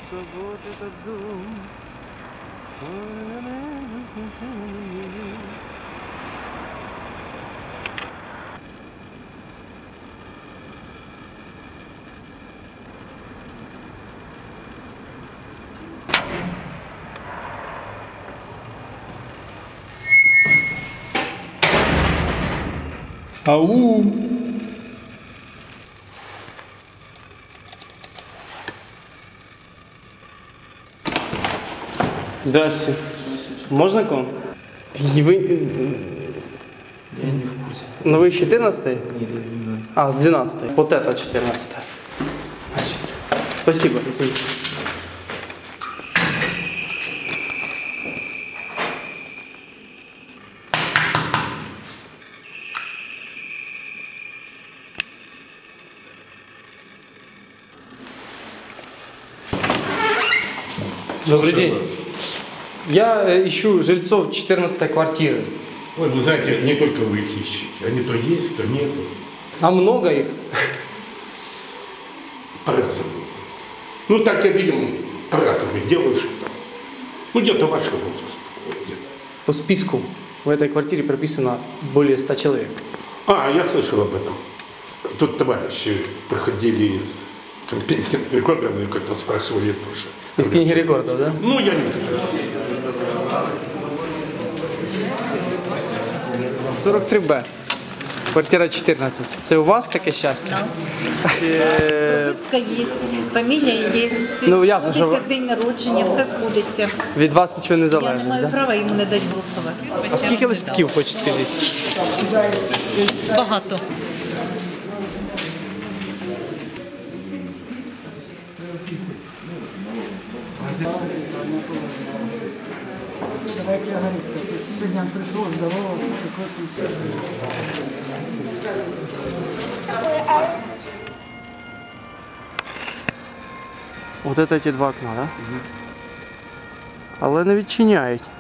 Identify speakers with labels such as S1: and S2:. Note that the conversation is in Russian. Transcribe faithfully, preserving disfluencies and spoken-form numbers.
S1: кажется, вот этот дом.
S2: Ау! Здрасте. Можно к вам? И вы...
S3: Я не в курсе.
S2: Ну вы четырнадцатый?
S3: Нет, я с двенадцатого.
S2: А, с двенадцатой. Вот это четырнадцатая. Значит, спасибо, извините. Добрый день. Я э, ищу жильцов четырнадцатой квартиры.
S4: Ой, вы знаете, не только вы их ищете. Они то есть, то нет.
S2: А много их?
S4: По-разному. Ну, так я видим, по-разному делаешь там. Ну, где-то вашего возраста. Вот где-то.
S2: По списку в этой квартире прописано более ста человек.
S4: А, я слышал об этом. Тут товарищи проходили из компетентных органов и как-то спрашивали тоже.
S2: Из книги рекордов, да?
S4: Ну, я не знаю.
S2: сорок три Б. Квартира чотирнадцять. Це у вас таке щастя?
S5: Нас.
S2: Е,
S5: Прописка є, фамілія є,
S2: Ну, ясно, що
S5: сходиться
S2: ви-
S5: день народження, все сходиться.
S2: Від вас нічого не
S5: Я не
S2: залежить,
S5: маю
S2: да?
S5: права йому не дати голосувати.
S2: А скільки листків, хоч скажіть?
S5: Багато.
S6: Давайте я говорю, что сегодня он пришел, здоровался, такой.
S2: От це ті два окна, так? Да? Але не відчиняють.